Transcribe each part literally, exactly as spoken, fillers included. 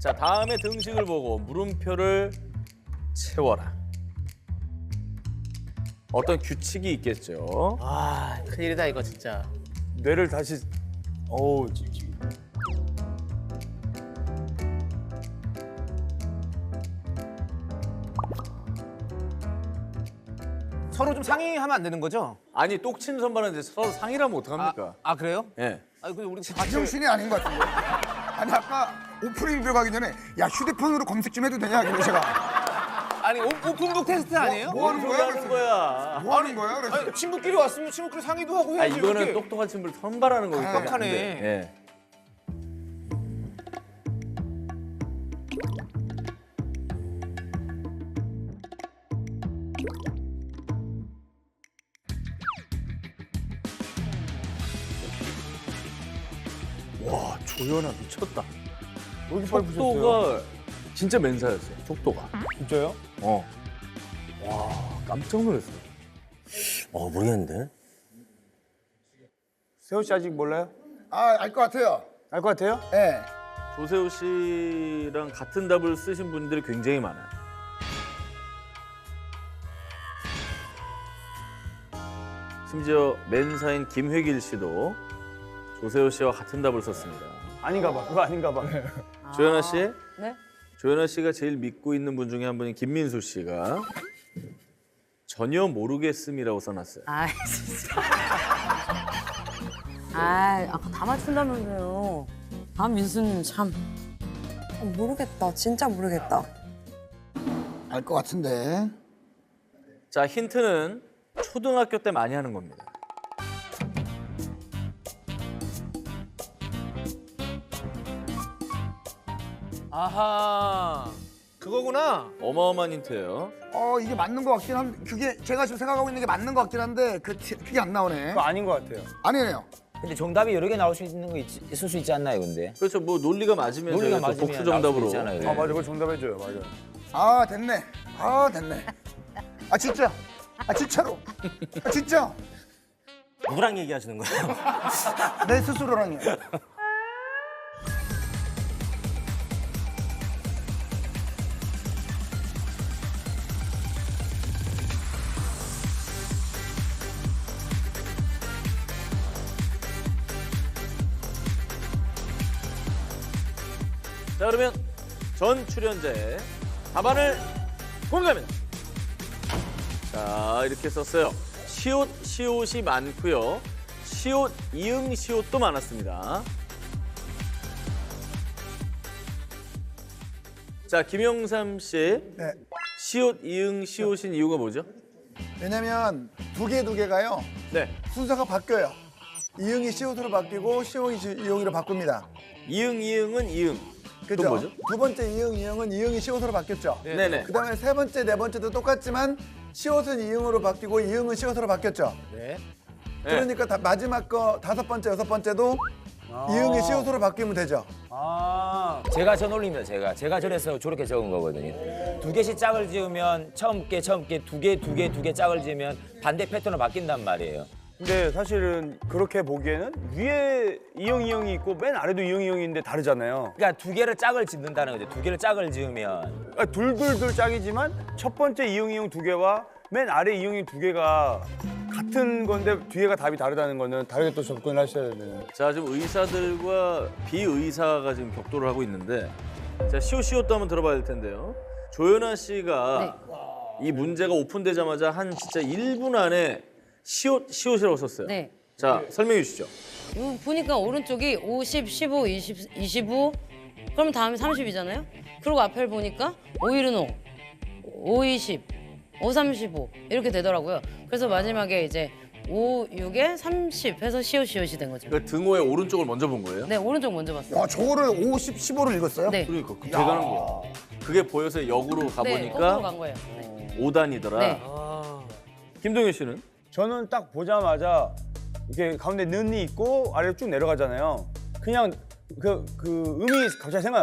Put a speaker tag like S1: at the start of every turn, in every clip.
S1: 자, 다음에 등식을 보고 물음표를 채워라. 어떤 규칙이 있겠죠.
S2: 아, 큰일이다 이거 진짜.
S3: 뇌를 다시 어우 찌-
S2: 서로 좀 상의하면 안 되는 거죠?
S1: 아니, 똑친 선발은 이제 서로 상의라면 어떡합니까?
S2: 아, 그래요?
S1: 예.
S2: 아니 근데 우리 같이
S4: 제정신이 아닌 것 같은데. 아니 아까 오프닝 들어가기 전에 야 휴대폰으로 검색 좀 해도 되냐 그래서 제가
S2: 아니 오, 오픈북 테스트 아니에요?
S4: 뭐 하는 거야?
S1: 하는 거야.
S4: 뭐 하는 거야? 그래서
S2: 아니, 친구끼리 왔으면 친구끼리 상의도 하고
S1: 아,
S2: 해야지.
S1: 이거는
S2: 이렇게.
S1: 똑똑한 친구를 선발하는 거기 때문에. 안
S2: 똑똑하네.
S1: 돼. 예. 와, 조연아 미쳤다.
S3: 왜 이렇게 빨리 부셨어요?
S1: 속도가 진짜 맨사였어요. 속도가.
S3: 진짜요?
S1: 어. 와, 깜짝 놀랐어요.
S5: 어, 모르겠는데.
S3: 세호 씨 아직 몰라요?
S4: 아알 것 같아요.
S3: 알 것 같아요?
S4: 예.
S1: 조세호 씨랑 같은 답을 쓰신 분들이 굉장히 많아요. 심지어 맨사인 김회길 씨도 조세호 씨와 같은 답을 썼습니다.
S3: 아닌가 봐. 그거 아닌가 봐.
S1: 조연아 씨?
S6: 네?
S1: 조연아 씨가 제일 믿고 있는 분 중에 한 분인 김민수 씨가 전혀 모르겠음이라고 써놨어요.
S6: 아 진짜. 아 아까 다 맞춘다면서요. 아 민수님 참.
S7: 어, 모르겠다. 진짜 모르겠다.
S4: 알 것 같은데.
S1: 자, 힌트는 초등학교 때 많이 하는 겁니다.
S2: 아하. 그거구나.
S1: 어마어마한 힌트예요.
S4: 어 이게 맞는 것 같긴 한데 그게 제가 지금 생각하고 있는 게 맞는 것 같긴 한데 그 티- 그게 안 나오네.
S3: 그거 아닌 것 같아요.
S4: 아니네요.
S5: 근데 정답이 여러 개 나올 수 있는 거 있, 있을 수 있지 않나요, 근데?
S1: 그렇죠. 뭐 논리가 맞으면
S5: 논리가
S1: 저희가 또
S5: 맞으면
S1: 복수
S5: 나올 수도
S1: 정답으로.
S5: 있잖아요.
S3: 아 맞아, 그거 정답해줘요. 맞아.
S4: 아 됐네. 아 됐네. 아 진짜. 아 진짜로. 아 진짜.
S5: 누구랑 얘기하시는 거예요?
S4: 내 스스로랑요.
S1: 자, 그러면 전 출연자의 답안을 공개합니다. 자, 이렇게 썼어요. 시옷, 시옷이 많고요. 시옷, 이응, 시옷도 많았습니다. 자, 김영삼 씨.
S4: 네.
S1: 시옷, 이응, 시옷인 이유가 뭐죠?
S4: 왜냐면 두 개 두 개가요
S1: 네.
S4: 순서가 바뀌어요. 이응이 시옷으로 바뀌고 시옷이 이응이로 바꿉니다.
S1: 이응, 이응은 이응.
S4: 그죠?
S1: 그건 뭐죠?
S4: 두 번째 이응 이응은 이응이 시옷으로 바뀌었죠.
S1: 네네.
S4: 그다음에 세 번째 네 번째도 똑같지만 시옷은 이응으로 바뀌고 이응은 시옷으로 바뀌었죠.
S2: 네.
S4: 그러니까 다- 마지막 거 다섯 번째 여섯 번째도 이응이 시옷으로 바뀌면 되죠.
S3: 아
S5: 제가 저 논리입니다, 제가. 제가 저래서 저렇게 적은 거거든요. 두 개씩 짝을 지으면 처음 게 처음 게 두 개, 두 개, 두 개 짝을 지으면 반대 패턴으로 바뀐단 말이에요.
S3: 근데 사실은 그렇게 보기에는 위에 이형 이형이 있고 맨 아래도 이형 이형이 있는데 다르잖아요.
S5: 그러니까 두 개를 짝을 짓는다는 거죠. 두 개를 짝을 지으면.
S3: 그러니까 둘둘둘 짝이지만 첫 번째 이형 이형 두 개와 맨 아래 이형이 두 개가 같은 건데 뒤에가 답이 다르다는 거는 다르게 또 접근을 하셔야 되는.
S1: 자, 지금 의사들과 비의사가 지금 격돌을 하고 있는데, 자, 시옷시옷도 한번 들어봐야 될 텐데요. 조연아 씨가 이 문제가 오픈되자마자 한 진짜 일 분 안에 시옷, 시옷이라고 썼어요.
S6: 네.
S1: 자, 설명해 주시죠.
S6: 이거 보니까 오른쪽이 오십, 십오, 이십, 이십오. 그럼 다음에 삼십이잖아요. 그리고 앞을 보니까 오일은 오, 오, 이십, 오, 삼십오 이렇게 되더라고요. 그래서 마지막에 이제 오, 육에 삼십 해서 시옷 시옷이 된 거죠.
S1: 그 등호의 오른쪽을 먼저 본 거예요?
S6: 네, 오른쪽 먼저 봤어요.
S4: 야 저거를 오십, 십오를 읽었어요?
S6: 네.
S1: 그러니까 그 대단한 거야. 그게 보여서 역으로
S6: 네,
S1: 가보니까
S6: 거꾸로 간 거예요. 네.
S1: 오 단이더라.
S6: 네.
S1: 김동현 씨는?
S3: 저는 딱 보자마자 이렇게 가운데 는이 있고 아래로 쭉 내려가잖아요. 그냥 그, 그 음이 갑자기 생각났어요.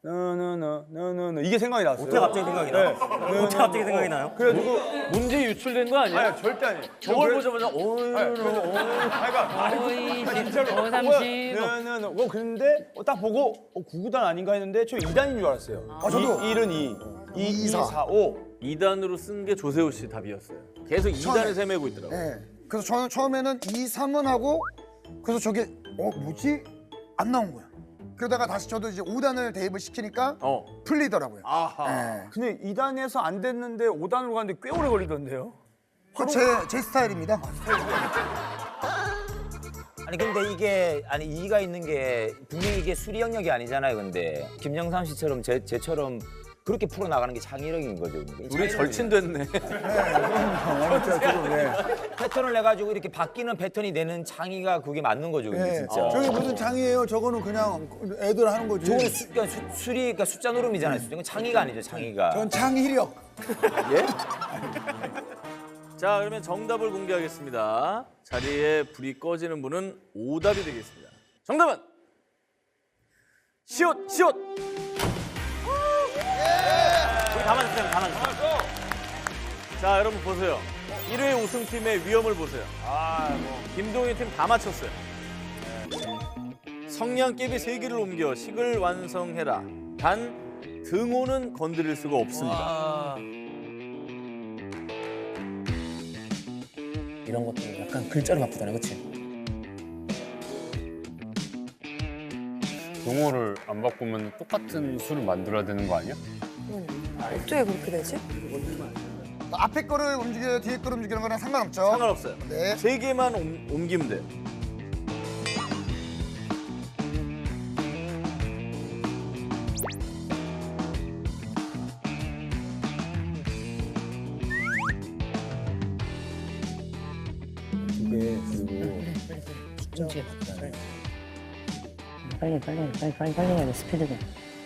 S3: 너너너너너 이게 생각이 났어요.
S8: 어떻게 갑자기 생각이 나?
S3: 네.
S8: 어떻게 갑자기 생각이 나요?
S3: 그래가지고
S1: 문제 유출된 거 아니야?
S3: 아니 절대 아니에요.
S1: 저걸
S3: 그래-
S1: 보자마자 어이로
S3: 아니, 그러니까
S6: 오이십, 오삼십.
S3: 너너너 어 그런데 어, 딱 보고 어 구구단 아닌가 했는데 저 이단인 줄 알았어요.
S4: 아, 저도.
S3: 일은 이, 이, 이, 사, 오.
S1: 이 단으로 쓴 게 조세호 씨 답이었어요. 계속 이 단에 헤매고 있더라고요.
S4: 예. 그래서 저는 처음에는 이, 삼은 하고 그래서 저게 어 뭐지? 안 나온 거야. 그러다가 다시 저도 이제 오 단을 대입을 시키니까
S1: 어.
S4: 풀리더라고요.
S1: 아하.
S4: 예.
S3: 근데 이 단에서 안 됐는데 오 단으로 갔는데 꽤 오래 걸리던데요.
S4: 그제 제 스타일입니다.
S5: 아니 근데 이게 아니 이의가 있는 게 분명히 이게 수리 영역이 아니잖아요. 근데 김영삼 씨처럼 제 제처럼 그렇게 풀어 나가는 게 창의력인 거죠.
S1: 우리 절친됐네.
S5: 패턴을 내 가지고 이렇게 바뀌는 패턴이 되는 창의가 그게 맞는 거죠. 근데
S9: 예.
S5: 진짜.
S9: 저게 무슨 장이에요? 저거는 그냥 애들 하는 거지.
S5: 저거는 수, 그러니까 수, 수리 그러니까 숫자 노름이잖아요. 이건 창의가 아니죠. 창의가.
S9: 전 창의력.
S1: 자, 그러면 정답을 공개하겠습니다. 자리에 불이 꺼지는 분은 오답이 되겠습니다. 정답은 시옷, 시옷.
S8: 우리 다 맞았어요. 다 맞았어요.
S1: 자, 여러분 보세요. 일 회 우승팀의 위험을 보세요. 김동희 팀 다 맞췄어요. 성냥개비 세 개를 옮겨 식을 완성해라. 단 등호는 건드릴 수가 없습니다.
S8: 이런 것도 약간 글자로 바꾸잖아요. 그렇지?
S10: 용어를 안 바꾸면 똑같은 수를 만들어야 되는 거 아니야?
S7: 어떻게 그렇게 되지?
S4: 앞에 거를 움직여요, 뒤에 거를 움직이는 거랑 상관없죠.
S1: 상관없어요.
S4: 네.
S1: 세 개만 옮, 옮기면 돼요.
S8: 이게 그리고
S6: 움직여. 빨리 빨리 빨리 빨리 빨리 해야 돼 스피드가.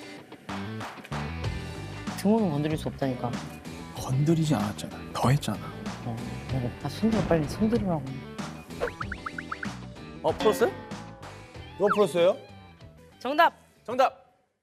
S6: 등호는 건드릴 수 없다니까.
S9: 건드리지 않았잖아. 더 했잖아.
S6: 어, 그래. 아 손들어 빨리 손들으라고.
S1: 어, 풀었어요?
S3: 누가 풀었어요?
S6: 정답.
S1: 정답.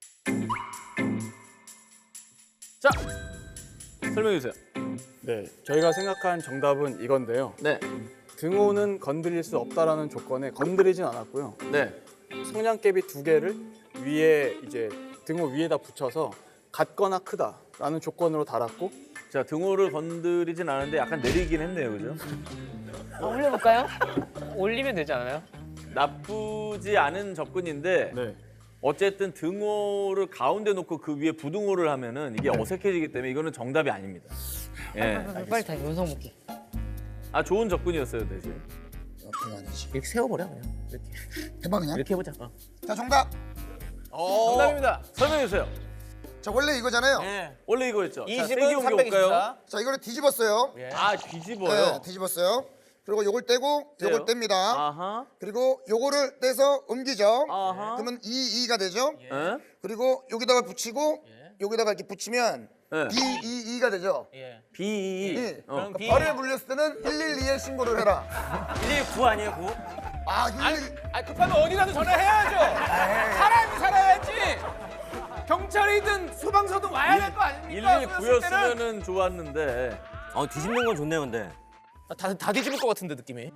S1: 자, 설명해 주세요.
S10: 네, 저희가 생각한 정답은 이건데요.
S1: 네,
S10: 등호는 건드릴 수 없다라는 조건에 건드리진 않았고요.
S1: 네.
S10: 성냥개비 두 개를 위에 이제 등호 위에다 붙여서 같거나 크다라는 조건으로 달았고
S1: 자, 등호를 건드리진 않은데 약간 내리긴 했네요, 그죠?
S6: 아, 올려볼까요?
S2: 올리면 되지 않아요?
S1: 나쁘지 않은 접근인데
S10: 네.
S1: 어쨌든 등호를 가운데 놓고 그 위에 부등호를 하면은 이게 어색해지기 때문에 이거는 정답이 아닙니다. 예.
S6: 빨리, 빨리 다 연성 볼게.
S1: 아, 좋은 접근이었어요, 대신.
S4: 옆에가 아니지.
S8: 이렇게 세워버려 그냥. 이렇게
S4: 해봐 그냥.
S8: 이렇게 해보자. 어.
S4: 자 정답.
S1: 정답입니다. 설명해 주세요.
S4: 자 원래 이거잖아요.
S2: 네.
S1: 원래 이거였죠. 자, 세개
S2: 이십은
S1: 옮겨볼까요?
S2: 삼백이십사.
S4: 자 이거를 뒤집었어요.
S1: 아,
S4: 네,
S1: 뒤집어요.
S4: 뒤집었어요. 그리고 요걸 떼고 요걸
S1: 떼요?
S4: 뗍니다.
S1: 아하.
S4: 그리고 요거를 떼서 옮기죠.
S1: 아하.
S4: 그러면 이, 이가 되죠.
S1: 예?
S4: 그리고 여기다가 붙이고 여기다가 이렇게 붙이면
S1: 예.
S4: 비, 이, 이가 되죠.
S1: 비.
S4: 예.
S1: 어.
S2: 비.
S4: 벌을 물렸을 때는 일일이에 신고를 해라.
S8: 일일구 아니에요, 구?
S4: 아, 일일이.
S2: 아니 급하면 어디라도 전화해야죠. 사람이 살아야지. 경찰이든 소방서든 와야 될 거 아닙니까?
S1: 일일구였으면은 좋았는데.
S8: 어, 뒤집는 건 좋네요, 근데.
S2: 다, 다 뒤집을 것 같은데 느낌이.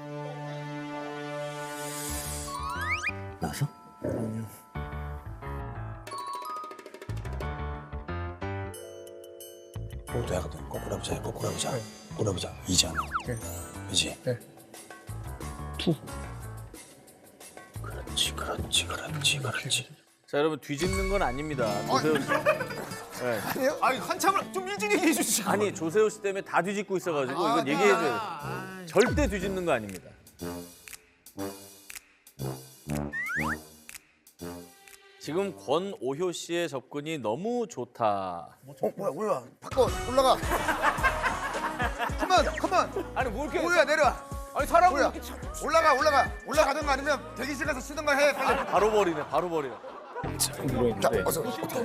S8: 나왔어?
S9: 그것도 하거든. 거꾸로 해보자. 거꾸로 해보자. 거꾸로 해보자. 이잖아. 그렇지? 투. 그렇지, 그렇지, 그렇지, 그렇지.
S1: 자, 여러분 뒤집는 건 아닙니다. 조세호 씨. 네.
S2: 아니 한참을 좀 일찍 얘기해 주시고.
S1: 아니, 조세호 씨 때문에 다 뒤집고 있어가지고 이건 얘기해줘요. 절대 뒤집는 거 아닙니다. 지금 권오효 씨의 접근이 너무 좋다.
S4: 어 뭐야 뭐야. 바꿔 올라가. 컴온 컴온.
S2: 아니 뭐 이렇게.
S4: 뭐야 내려와.
S2: 아니 사람을
S4: 뭐야.
S2: 이렇게 참.
S4: 올라가 올라가. 올라가든가 아니면 대기실 가서 쉬든가 해 빨리.
S1: 바로 버리네, 바로 버려.
S4: 자 어서.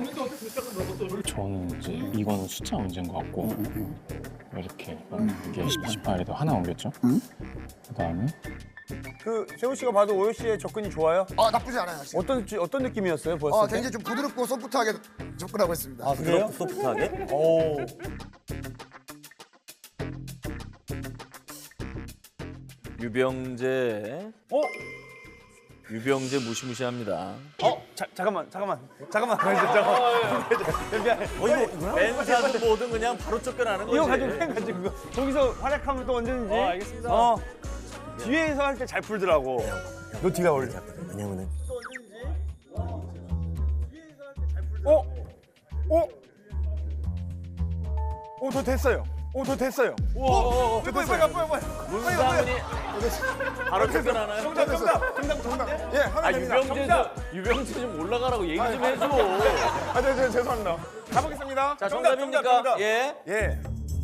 S10: 저는 이제 이거는 숫자 문제인 것 같고 이렇게 이게 십팔에도 하나 옮겼죠. 그 다음에
S3: 그 세호 씨가 봐도 오효 씨의 접근이 좋아요?
S4: 아 나쁘지 않아요. 지금.
S3: 어떤 어떤 느낌이었어요? 보았을
S4: 어,
S3: 때?
S4: 굉장히 좀 부드럽고 소프트하게 접근하고 있습니다.
S3: 아 그래요?
S8: 소프트하게?
S3: 오.
S1: 유병재.
S3: 어?
S1: 유병재 무시무시합니다.
S3: 어? 자, 잠깐만, 잠깐만, 잠깐만. 잠깐만. 미안해.
S1: 어, 이거 벤사든 뭐든 그냥 바로 쫓겨나는 거지.
S3: 이거 가지고 펜 가지고 그거. 거기서 활약하면 또 언제든지.
S1: 어, 알겠습니다.
S3: 어. 뒤에서 할 때 잘 풀더라고. 너 뒤가 어울려.
S8: 왜냐면은
S3: 어? 어? 어, 저 됐어요. 어, 저 됐어요.
S1: 우와,
S3: 저 됐어요. 뭐야, 뭐야,
S1: 문상훈이 바로 쫓겨나나요?
S3: 정답, 정답, 정답, 정답. 예, 하면
S1: 아,
S3: 됩니다.
S1: 유병재 좀, 유병재 좀 올라가라고 얘기 좀 해줘.
S3: 아, 네, 네, 죄송합니다. 가보겠습니다.
S1: 자,
S3: 정답,
S1: 정답입니까?
S3: 정답, 정답.
S1: 예.
S3: 예.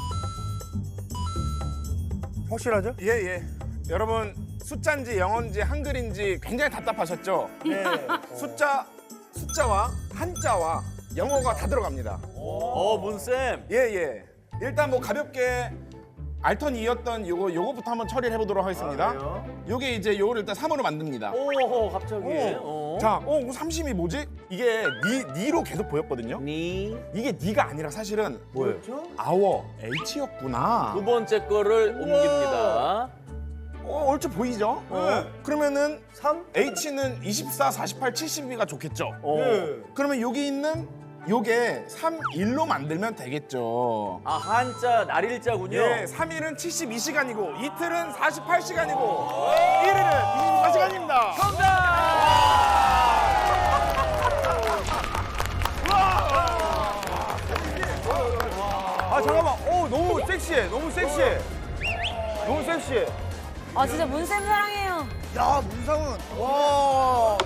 S3: 확실하죠?
S2: 예, 예. 여러분 숫자인지 영어인지 한글인지 굉장히 답답하셨죠?
S3: 네.
S2: 숫자 숫자와 한자와 영어가 다 들어갑니다.
S1: 어, 문쌤.
S2: 예, 예. 일단 뭐 가볍게 알턴이었던 요거 요거부터 한번 처리를 해보도록 하겠습니다. 요게 이제 요거를 일단 삼으로 만듭니다.
S1: 오호, 갑자기.
S2: 어. 자, 어, 그 삼십이 뭐지? 이게 니, 니로 계속 보였거든요.
S1: 니.
S2: 이게 니가 아니라 사실은 뭐예요? 아워, H였구나.
S1: 두 번째 거를 옮깁니다.
S2: 어, 얼추 보이죠?
S3: 네.
S2: 그러면은
S3: 삼?
S2: H는 이십사, 사십팔, 칠십이가 좋겠죠?
S1: 어.
S3: 네.
S2: 그러면 여기 있는 요게 삼, 일로 만들면 되겠죠.
S1: 아, 한자, 날일자군요.
S2: 예, 삼 일은 칠십이 시간이고 이틀은 사십팔 시간이고 일 일은 이십사 시간입니다.
S3: 아, 잠깐만. 오, 너무 섹시해. 너무 섹시해. 너무 섹시해.
S6: 아 진짜 문쌤 사랑해요.
S4: 야 문상훈. 와.